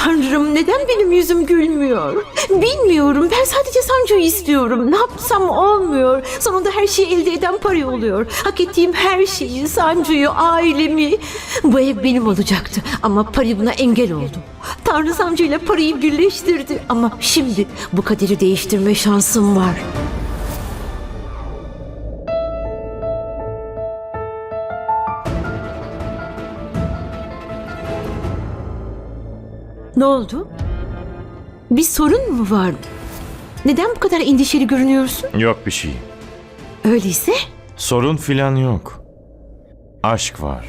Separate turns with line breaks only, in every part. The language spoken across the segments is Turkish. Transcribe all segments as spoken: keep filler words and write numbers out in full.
Tanrım, neden benim yüzüm gülmüyor? Bilmiyorum. Ben sadece Sancu'yu istiyorum. Ne yapsam olmuyor. Sonunda her şeyi elde eden Pari oluyor. Hak ettiğim her şeyi, Sancu'yu, ailemi. Bu ev benim olacaktı. Ama Pari buna engel oldu. Tanrı Sancu ile Pari'yi birleştirdi. Ama şimdi bu kaderi değiştirme şansım var. Ne oldu? Bir sorun mu vardı? Neden bu kadar endişeli görünüyorsun?
Yok bir şey.
Öyleyse
Sorun filan yok. Aşk var.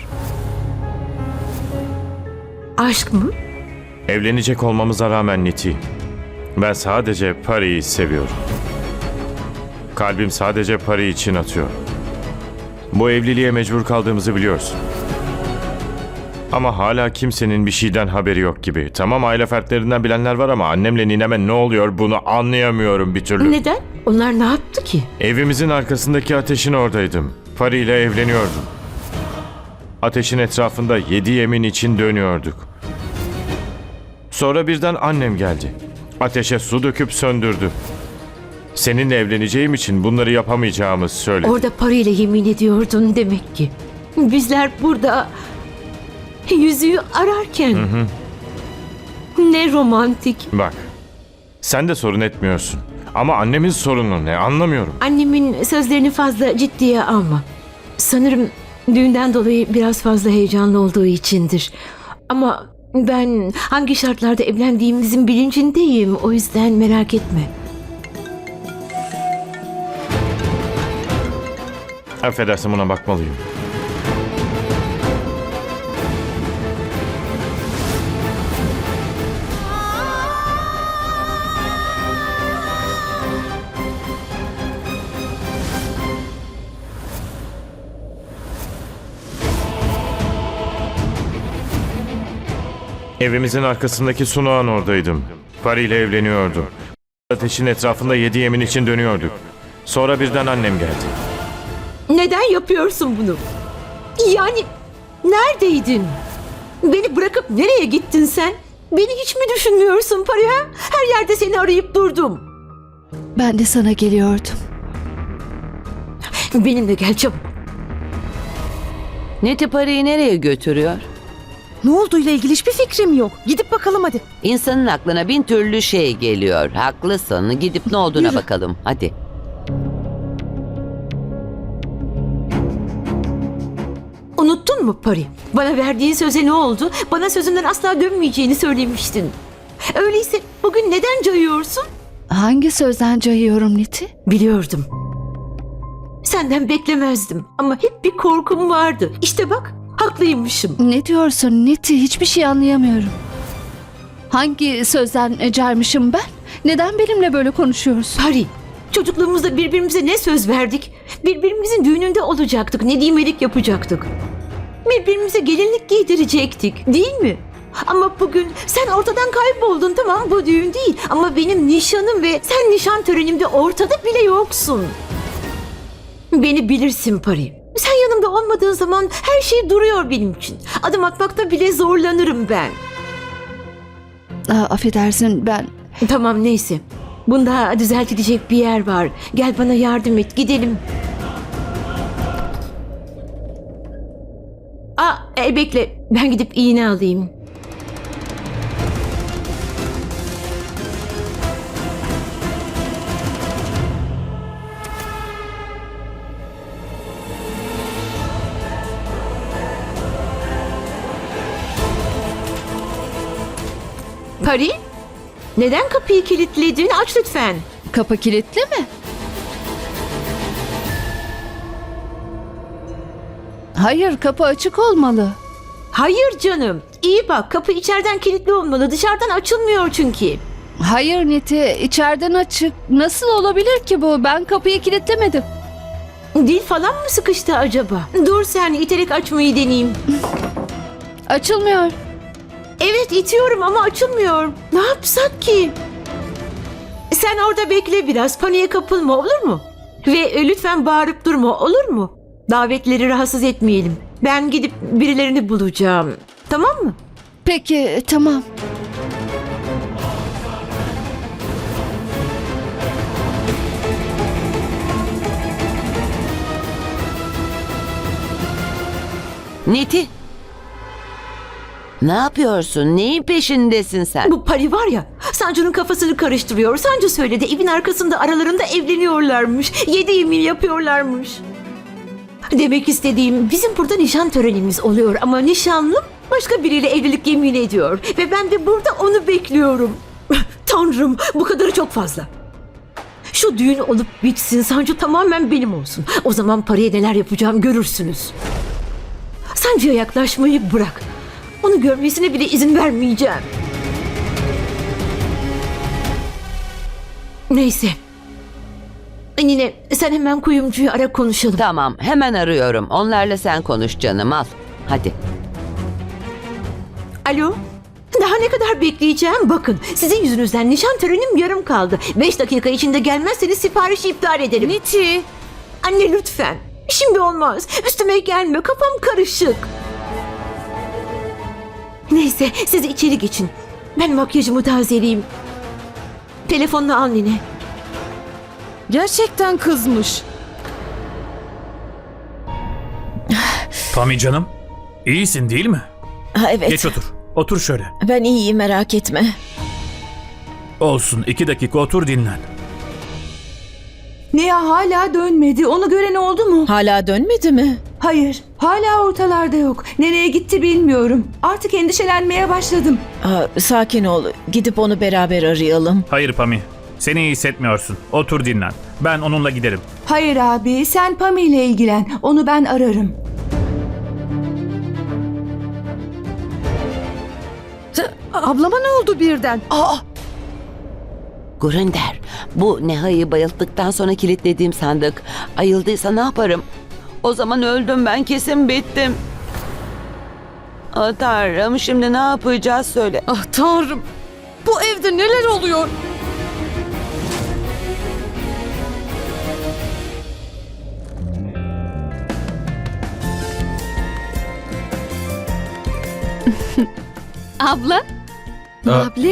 aşk mı?
Evlenecek olmamıza rağmen Niti, ben sadece Pari'yi seviyorum. Kalbim sadece Pari için atıyor. Bu evliliğe mecbur kaldığımızı biliyorsun. Ama hala kimsenin bir şeyden haberi yok gibi. Tamam, aile fertlerinden bilenler var ama annemle nineme ne oluyor bunu anlayamıyorum bir türlü.
Neden? Onlar ne yaptı ki?
Evimizin arkasındaki ateşin oradaydım. Pari ile evleniyordum. Ateşin etrafında yedi yemin için dönüyorduk. Sonra birden annem geldi. Ateşe su döküp söndürdü. Seninle evleneceğim için bunları yapamayacağımı söyledi.
Orada parayla yemin ediyordun demek ki. Bizler burada yüzüğü ararken.
Hı hı.
Ne romantik.
Bak, sen de sorun etmiyorsun. Ama annemin sorunu ne anlamıyorum.
Annemin sözlerini fazla ciddiye alma. Sanırım düğünden dolayı biraz fazla heyecanlı olduğu içindir. Ama ben hangi şartlarda evlendiğimizin bilincindeyim. O yüzden merak etme.
Affedersin, buna bakmalıyım. Evimizin arkasındaki sunağın oradaydım. Pari ile evleniyordum. Ateşin etrafında yedi yemin için dönüyorduk. Sonra birden annem geldi.
Neden yapıyorsun bunu? Yani neredeydin? Beni bırakıp nereye gittin sen? Beni hiç mi düşünmüyorsun Pariha? Her yerde seni arayıp durdum.
Ben de sana geliyordum.
Benimle gel çabuk.
Neti parayı nereye götürüyor?
Ne olduğuyla ilgili hiçbir fikrim yok. Gidip bakalım hadi.
İnsanın aklına bin türlü şey geliyor. Haklısın. Gidip ne olduğuna
Yürü.
bakalım. Hadi.
Unuttun mu Pari? Bana verdiğin söze ne oldu? Bana sözünden asla dönmeyeceğini söylemiştin. Öyleyse bugün neden cayıyorsun?
Hangi sözden cayıyorum Niti?
Biliyordum. Senden beklemezdim ama hep bir korkum vardı. İşte bak, haklıymışım.
Ne diyorsun Niti? Hiçbir şey anlayamıyorum. Hangi sözden caymışım ben? Neden benimle böyle konuşuyorsun?
Pari, çocukluğumuzda birbirimize ne söz verdik? Birbirimizin düğününde olacaktık, nedimelik yapacaktık. Birbirimize gelinlik giydirecektik, değil mi? Ama bugün sen ortadan kayboldun, tamam, bu düğün değil. Ama benim nişanım ve sen nişan törenimde ortada bile yoksun. Beni bilirsin Pari. Sen yanımda olmadığın zaman her şey duruyor benim için. Adım atmakta bile zorlanırım ben.
Aa, affedersin ben...
Tamam, neyse. Bunda düzeltilecek bir yer var. Gel bana yardım et, gidelim. Aa, e, bekle. Ben gidip iğne alayım. Pari, neden kapıyı kilitledin? Aç lütfen.
Kapı kilitli mi? Hayır, kapı açık olmalı.
Hayır canım. İyi bak, kapı içeriden kilitli olmalı. Dışarıdan açılmıyor çünkü.
Hayır Niti, içeriden açık. Nasıl olabilir ki bu? Ben kapıyı kilitlemedim.
Dil falan mı sıkıştı acaba? Dur sen, iterek açmayı deneyeyim.
Açılmıyor.
Evet, itiyorum ama açılmıyor. Ne yapsak ki? Sen orada bekle biraz. Paniğe kapılma, olur mu? Ve e, lütfen bağırıp durma, olur mu? Davetleri rahatsız etmeyelim. Ben gidip birilerini bulacağım. Tamam mı?
Peki, tamam.
Niti. Ne yapıyorsun? Neyin peşindesin sen?
Bu Pari var ya, Sancu'nun kafasını karıştırıyor. Sancu söyledi, evin arkasında aralarında evleniyorlarmış. Yedi yemin yapıyorlarmış. Demek istediğim, bizim burada nişan törenimiz oluyor ama nişanlım başka biriyle evlilik yemin ediyor. Ve ben de burada onu bekliyorum. Tanrım, bu kadarı çok fazla. Şu düğün olup bitsin, Sancu tamamen benim olsun. O zaman Pari'ye neler yapacağım görürsünüz. Sancu'ya yaklaşmayı bırak. Onu görmesine bile izin vermeyeceğim. Neyse. Nine, sen hemen kuyumcuyu ara, konuşalım.
Tamam, hemen arıyorum. Onlarla sen konuş canım, al. Hadi.
Alo? Daha ne kadar bekleyeceğim? Bakın, sizin yüzünüzden nişan törenim yarım kaldı. Beş dakika içinde gelmezseniz siparişi iptal ederim.
Niti.
Anne lütfen. Şimdi olmaz. Üstüme gelme. Kafam karışık. Neyse, siz içeri geçin. Ben makyajımı tazeleyeyim. Telefonunu al Nine.
Gerçekten kızmış.
Pami canım, iyisin değil mi?
Ha, evet.
Geç otur. Otur şöyle.
Ben iyiyim, merak etme.
Olsun, iki dakika otur dinlen.
Niha hala dönmedi. Onu gören oldu mu?
Hala dönmedi mi?
Hayır. Hala ortalarda yok. Nereye gitti bilmiyorum. Artık endişelenmeye başladım.
Aa, sakin ol. Gidip onu beraber arayalım.
Hayır Pami, seni iyi hissetmiyorsun. Otur dinlen. Ben onunla giderim.
Hayır abi, sen Pami ile ilgilen. Onu ben ararım.
Ablama ne oldu birden?
Aa,
Gurinder, bu Neha'yı bayılttıktan sonra kilitlediğim sandık ayıldıysa ne yaparım? O zaman öldüm ben, kesin bittim. Ah Tanrım, şimdi ne yapacağız söyle.
ah Tanrım. Bu evde neler oluyor?
Abla.
Abli.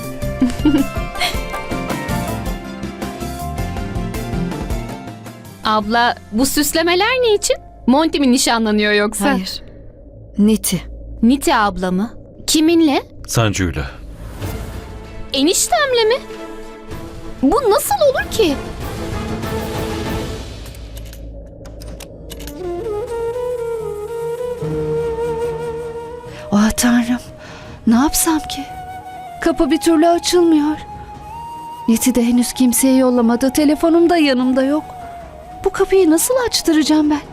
Abla, bu süslemeler ne için? Monty mi nişanlanıyor yoksa?
Hayır. Niti.
Niti abla mı? Kiminle?
Sancu'yla.
Eniştemle mi? Bu nasıl olur ki?
Ah Tanrım. Ne yapsam ki? Kapı bir türlü açılmıyor. Niti de henüz kimseye yollamadı. Telefonum da yanımda yok. Bu kapıyı nasıl açtıracağım ben?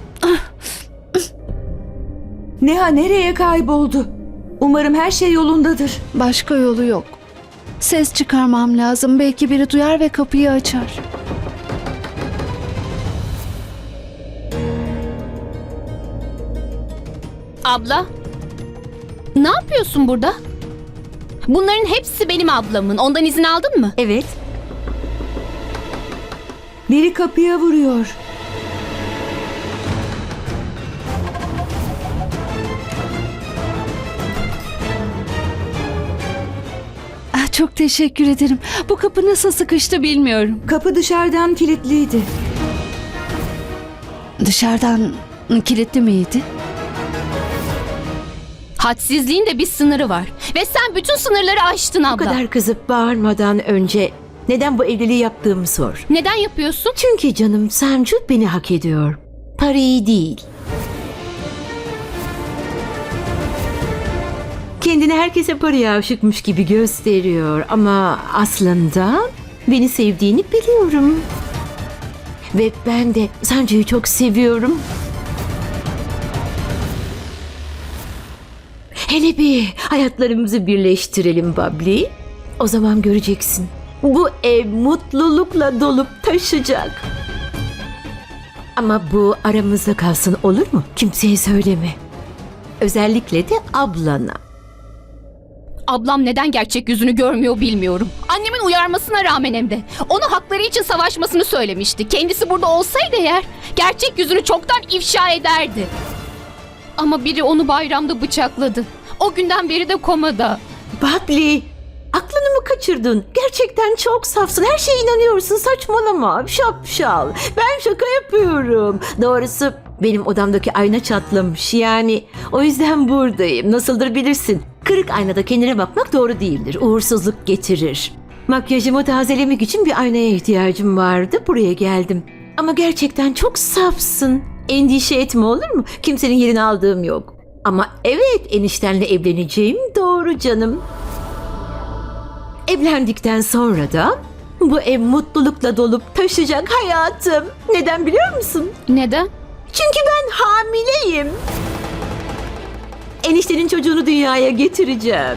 Niha nereye kayboldu? Umarım her şey yolundadır.
Başka yolu yok. Ses çıkarmam lazım. Belki biri duyar ve kapıyı açar.
Abla, ne yapıyorsun burada? Bunların hepsi benim ablamın. Ondan izin aldın mı?
Evet.
Biri kapıya vuruyor.
Ah, çok teşekkür ederim. Bu kapı nasıl sıkıştı bilmiyorum.
Kapı dışarıdan kilitliydi.
Dışarıdan kilitli miydi?
Hadsizliğin de bir sınırı var. Ve sen bütün sınırları aştın
Bu
abla.
kadar kızıp bağırmadan önce neden bu evliliği yaptığımı sor.
Neden yapıyorsun?
Çünkü canım, Sancu beni hak ediyor. Parayı değil. Kendini herkese paraya aşıkmış gibi gösteriyor ama aslında beni sevdiğini biliyorum. Ve ben de Sancu'yu çok seviyorum. Hele bir hayatlarımızı birleştirelim Babli. O zaman göreceksin. Bu ev mutlulukla dolup taşacak. Ama bu aramızda kalsın, olur mu? Kimseye söyleme. Özellikle de ablana.
Ablam neden gerçek yüzünü görmüyor bilmiyorum. Annemin uyarmasına rağmen hem de. Ona hakları için savaşmasını söylemişti. Kendisi burada olsaydı eğer gerçek yüzünü çoktan ifşa ederdi. Ama biri onu bayramda bıçakladı. O günden beri de komada.
Babli, aklını mı kaçırdın? Gerçekten çok safsın. Her şeye inanıyorsun. Saçmalama. Şapşal. Ben şaka yapıyorum. Doğrusu Benim odamdaki ayna çatlamış yani. O yüzden buradayım. Nasıldır bilirsin. Kırık aynada kendine bakmak doğru değildir. Uğursuzluk getirir. Makyajımı tazelemek için bir aynaya ihtiyacım vardı. Buraya geldim. Ama gerçekten çok safsın. Endişe etme, olur mu? Kimsenin yerini aldığım yok. Ama evet, eniştenle evleneceğim doğru canım. Evlendikten sonra da bu ev mutlulukla dolup taşacak hayatım. Neden biliyor musun?
Neden?
Çünkü ben hamileyim. Eniştenin çocuğunu dünyaya getireceğim.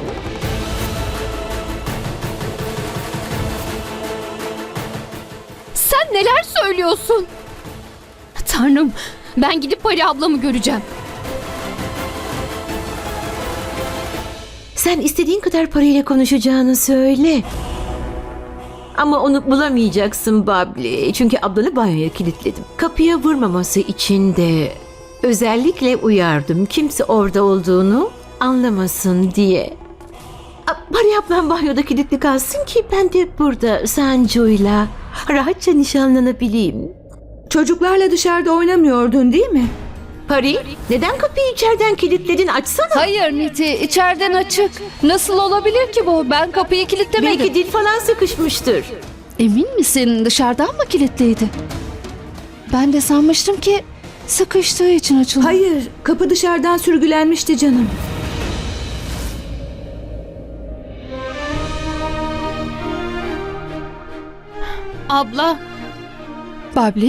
Sen neler söylüyorsun? Tanrım, ben gidip Pari ablamı göreceğim.
Sen istediğin kadar parayla konuşacağını söyle. Ama onu bulamayacaksın Babli. Çünkü ablanı banyoya kilitledim. Kapıya vurmaması için de özellikle uyardım. Kimse orada olduğunu anlamasın diye. A, Pari ablam banyoda kilitli kalsın ki ben de burada Sancu'yla rahatça nişanlanabileyim.
Çocuklarla dışarıda oynamıyordun değil mi?
Pari, neden kapıyı içeriden kilitledin? Açsana.
Hayır Niti, içeriden açık. Nasıl olabilir ki bu? Ben kapıyı kilitlemedim.
Belki dil falan sıkışmıştır.
Emin misin, dışarıdan mı kilitliydi? Ben de sanmıştım ki sıkıştığı için açıldı.
Hayır, kapı dışarıdan sürgülenmişti canım.
Abla,
Babli?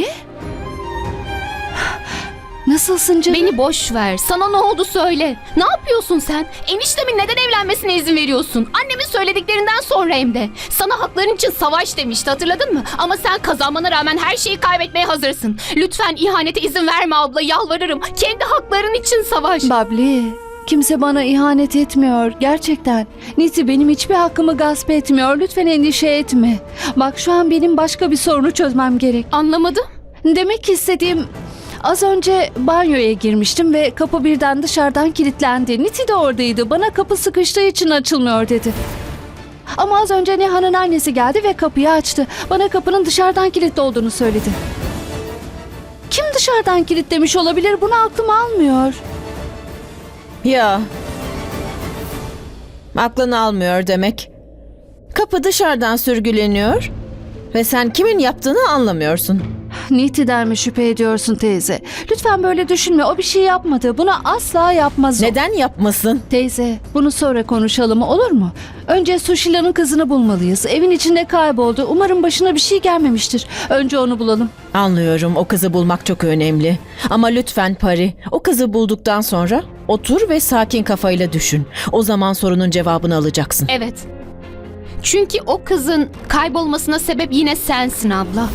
Nasılsın canım?
beni boş ver. Sana ne oldu söyle. Ne yapıyorsun sen? Eniştemin neden evlenmesine izin veriyorsun? Annemin söylediklerinden sonra hem de. Sana hakların için savaş demişti, hatırladın mı? Ama sen kazanmana rağmen her şeyi kaybetmeye hazırsın. Lütfen ihanete izin verme abla, yalvarırım. Kendi hakların için savaş.
Babli, kimse bana ihanet etmiyor gerçekten. Niti benim hiçbir hakkımı gasp etmiyor. Lütfen endişe etme. Bak şu an benim başka bir sorunu çözmem gerek.
Anlamadım.
Demek istediğim, az önce banyoya girmiştim ve kapı birden dışarıdan kilitlendi. Niti de oradaydı. Bana kapı sıkıştığı için açılmıyor dedi. Ama az önce Neha'nın annesi geldi ve kapıyı açtı. Bana kapının dışarıdan kilitli olduğunu söyledi. Kim dışarıdan kilitlemiş olabilir? Bunu aklım almıyor.
Ya. Aklını almıyor demek. Kapı dışarıdan sürgüleniyor ve sen kimin yaptığını anlamıyorsun.
Niti'den mi şüphe ediyorsun teyze? Lütfen böyle düşünme. O bir şey yapmadı. Bunu asla yapmaz o.
Neden yapmasın?
Teyze, bunu sonra konuşalım, olur mu? Önce Sushila'nın kızını bulmalıyız. Evin içinde kayboldu. Umarım başına bir şey gelmemiştir. Önce onu bulalım.
Anlıyorum, o kızı bulmak çok önemli. Ama lütfen Pari, o kızı bulduktan sonra otur ve sakin kafayla düşün. O zaman sorunun cevabını alacaksın.
Evet. Çünkü o kızın kaybolmasına sebep yine sensin abla.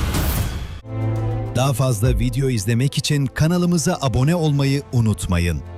Daha fazla video izlemek için kanalımıza abone olmayı unutmayın.